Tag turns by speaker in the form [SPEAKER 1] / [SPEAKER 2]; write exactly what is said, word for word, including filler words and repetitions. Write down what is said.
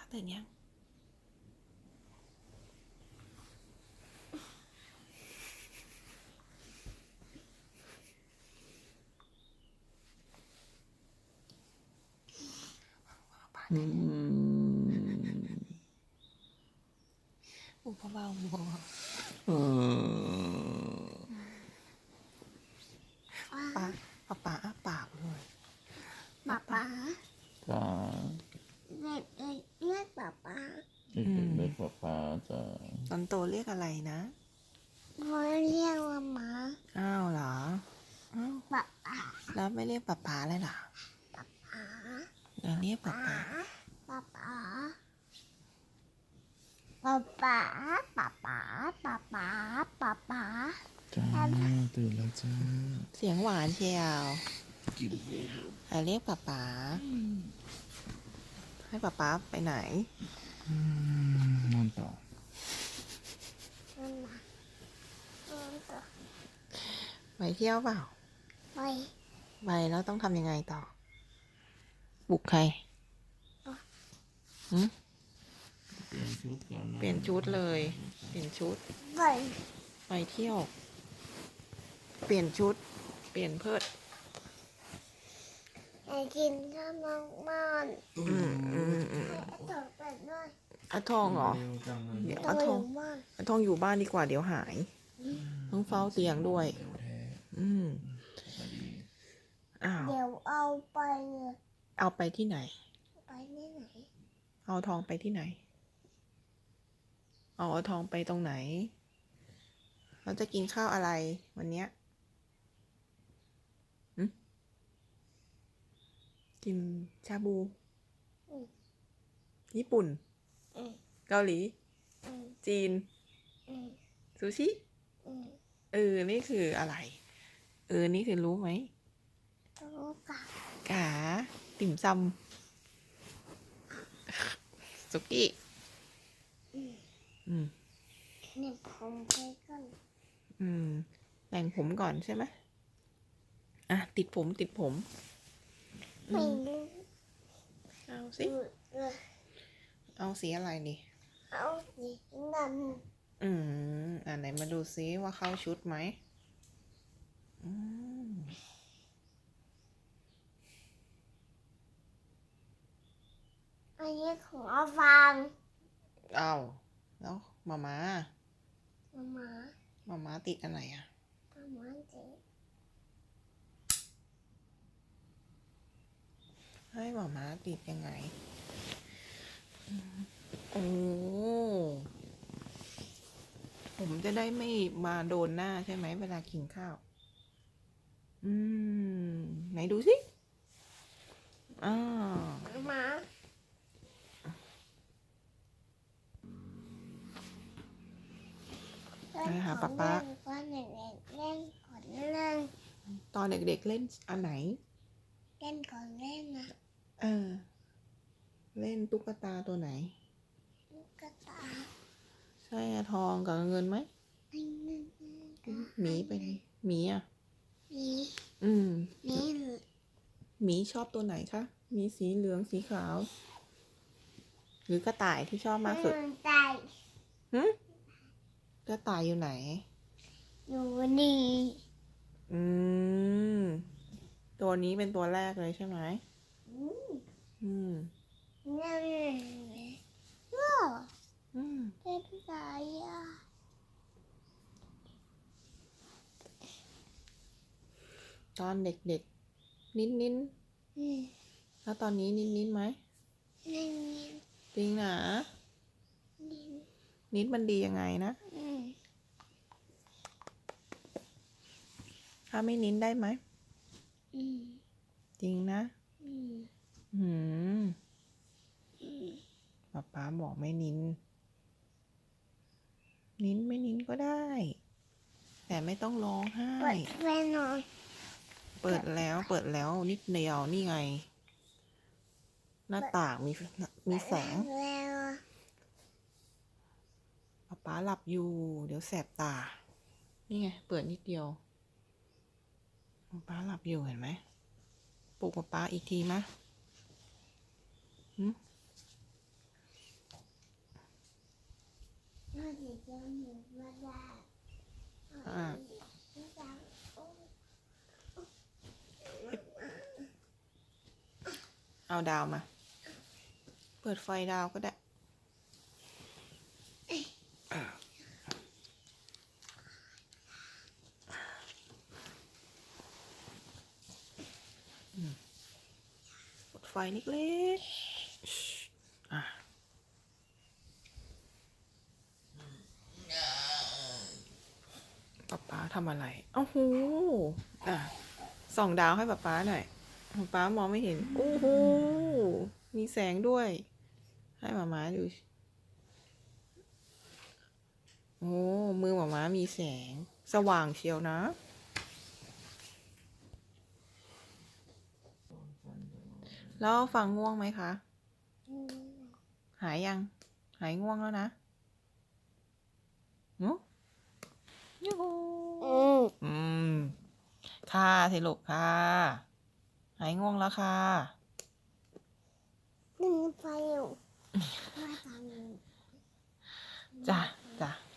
[SPEAKER 1] ตื่นยัง
[SPEAKER 2] อืม
[SPEAKER 1] อุปเบาๆบัว
[SPEAKER 2] เออ
[SPEAKER 1] ป้าป้าป้าอ้าปากเลย
[SPEAKER 3] ป๊าป๊า
[SPEAKER 2] จ้า
[SPEAKER 3] เรียกเรียกป๊าป๊า
[SPEAKER 2] เด็กๆเรียกป๊าป๊าจ้า
[SPEAKER 1] ตอนโตเรียกอะไรนะ
[SPEAKER 3] เขาเรียกว่าหมา
[SPEAKER 1] อ้าวเหรออ้าว
[SPEAKER 3] ป๊าป๊า
[SPEAKER 1] แล้วไม่เรียกป้าป้าเลยเหรอ
[SPEAKER 3] ป๊าป๊า
[SPEAKER 1] เราเรียกป้าป้า
[SPEAKER 3] ป๊าป๊าป๊าป๊าป๊าป๊าป๊าป๊าป๊าป๊า
[SPEAKER 2] จ้าตื่นแล้วจ้า
[SPEAKER 1] เสียงหวานเชียว
[SPEAKER 2] กิน
[SPEAKER 1] อ่ะเรียกป้าป้าให้ป้าป้าไปไหน
[SPEAKER 2] นอนต่อ
[SPEAKER 3] นั่นน่ะนั่นต่อ
[SPEAKER 1] ไปเที่ยวเปล่า
[SPEAKER 3] ไป
[SPEAKER 1] ไปแล้วต้องทำยังไงต่อปลุกใครหืม
[SPEAKER 2] เปลี่ยนชุดก่อนนะ
[SPEAKER 1] เปลี่ยนชุดเลย เปลี่ยนชุด
[SPEAKER 3] ไป
[SPEAKER 1] ไปเที่ยว เปลี่ยนชุด เปลี่ยนเพิด
[SPEAKER 3] ไปกินข้าวน้องบ้าน
[SPEAKER 1] อืมอืมอืม
[SPEAKER 3] ต่อไปด้วย
[SPEAKER 1] อาทองเหรอ
[SPEAKER 2] เร็วจังเลย
[SPEAKER 1] เดี๋ยว
[SPEAKER 3] ต่อ
[SPEAKER 1] อา
[SPEAKER 3] ไป
[SPEAKER 1] ทอง
[SPEAKER 3] บ้าน
[SPEAKER 1] อาทองอยู่บ้านดีกว่าเดี๋ยวหาย ต้องเฝ้าเตียงด้วย
[SPEAKER 2] เร็วแท้
[SPEAKER 1] อืม
[SPEAKER 2] มาดี
[SPEAKER 1] อ้าว
[SPEAKER 3] เดี๋ยวเอาไปเลย
[SPEAKER 1] เอาไปที่ไหน
[SPEAKER 3] ไปที่ไหน
[SPEAKER 1] เอาทองไปที่ไหน เอาเอาทองไปตรงไหน เราจะกินข้าวอะไรวันเนี้ยหึกินชาบู
[SPEAKER 3] อืม
[SPEAKER 1] ญี่ปุ่น
[SPEAKER 3] อืม
[SPEAKER 1] เกาหลี
[SPEAKER 3] อืม
[SPEAKER 1] จีน
[SPEAKER 3] อืม
[SPEAKER 1] ซูชิ
[SPEAKER 3] อืม
[SPEAKER 1] เออ นี่คืออะไร เออ นี่คือรู้ไหม
[SPEAKER 3] รู้กัน
[SPEAKER 1] กา ติ่มซำสุกี้
[SPEAKER 3] อืม
[SPEAKER 1] อืม
[SPEAKER 3] เนี่ยผมไปกัน
[SPEAKER 1] อืม แต่งผมก่อนใช่ไหมอ่ะ ติดผมติดผม
[SPEAKER 3] ไม่รู้
[SPEAKER 1] เอาสิ
[SPEAKER 3] เออ
[SPEAKER 1] เอาสีอะไรดิ
[SPEAKER 3] เอาสีด
[SPEAKER 1] อืม อ่าไหนมาดูซิว่าเข้าชุดไหมอืม
[SPEAKER 3] ำอันนี้ของอาฟัง
[SPEAKER 1] เอาแล้วมามา
[SPEAKER 3] มามา
[SPEAKER 1] มามาติดอันไหนอ่ะ
[SPEAKER 3] มามาเจ๊
[SPEAKER 1] ให้มามาติดยังไงอืมโอ้ผมจะได้ไม่มาโดนหน้าใช่ไหมเวลากินข้าว อืม ไหนดูสิอ่า
[SPEAKER 3] มามา
[SPEAKER 1] ไปหาป๊าป๊า
[SPEAKER 3] ก็เล่นเล่นก่อนเล่น
[SPEAKER 1] ตอนเด็กๆเล่นอันไหน
[SPEAKER 3] เล่นก่อนเล่นนะ
[SPEAKER 1] เออ เล่นตุ๊กตาตัวไหน
[SPEAKER 3] ลูกกระตา
[SPEAKER 1] ใช่อะทองกับเงินไหม
[SPEAKER 3] ไอ้นั่น
[SPEAKER 1] หมีไปไหนหมีอ่ะ
[SPEAKER 3] มี
[SPEAKER 1] อืม
[SPEAKER 3] มี
[SPEAKER 1] หมีชอบตัวไหนคะ มีสีเหลืองสีขาว หรือกระต่ายที่ชอบมากสุด
[SPEAKER 3] ใจ
[SPEAKER 1] หึกระต่ายอยู่ไหน
[SPEAKER 3] อยู่นี่
[SPEAKER 1] อืม ตัวนี้เป็นตัวแรกเลยใช่ไหม
[SPEAKER 3] อืม
[SPEAKER 1] อืม
[SPEAKER 3] นั่นว้าว
[SPEAKER 1] อืม
[SPEAKER 3] เป็นไรอ่ะ
[SPEAKER 1] ตอนเด็กๆ นิ้นนิ้น
[SPEAKER 3] อืม
[SPEAKER 1] ๆแล้วตอนนี้นิ้นนิ้นไหม
[SPEAKER 3] นี่นี่
[SPEAKER 1] จริงนะ
[SPEAKER 3] นี่
[SPEAKER 1] นิ้นมันดียังไงนะ
[SPEAKER 3] อืม
[SPEAKER 1] ถ้าไม่นิ้นได้ไหม
[SPEAKER 3] อืม
[SPEAKER 1] จริงนะ
[SPEAKER 3] อืม
[SPEAKER 1] หืม
[SPEAKER 3] อืม
[SPEAKER 1] ป๊าป๊าบอกไม่นิ้น นิ้นไม่นิ้นก็ได้ แต่ไม่ต้องร้องไห้
[SPEAKER 3] เปิดไฟหน่อย
[SPEAKER 1] เปิดแล้ว เปิดแล้วนิดเดียวนี่ไง หน้าต่างมีมีแสง
[SPEAKER 3] แล้ว
[SPEAKER 1] ป๊าป๊าหลับอยู่ เดี๋ยวแสบตา นี่ไง เปิดนิดเดียวป๊าป๊าหลับอยู่เห็นไหมปลุกป๊าป๊าอีกทีมะหึ
[SPEAKER 3] จะหมูมาได้
[SPEAKER 1] อ่า เอาดาวมา เปิดไฟดาวก็ได้อ่าอืมเปิดไฟเล็กๆอ่ะป๊าป๊าทำอะไรโอ้โหอ่ะส่องดาวให้ป๊าป๊าหน่อยป๊าป๊ามองไม่เห็นโอ้โหมีแสงด้วย ให้หมาม้าดูโอ้มือหมาม้ามีแสงสว่างเชียวนะ แล้วฟังง่วงไหมคะ หายยัง หายง่วงแล้วนะนุยูหู
[SPEAKER 3] อืม
[SPEAKER 1] อืม ค่ะสิลูกค่ะ หายง่วงแล้วค่ะ
[SPEAKER 3] นึ่งไฟอยู่มาทำ
[SPEAKER 1] จ้ะจ้ะ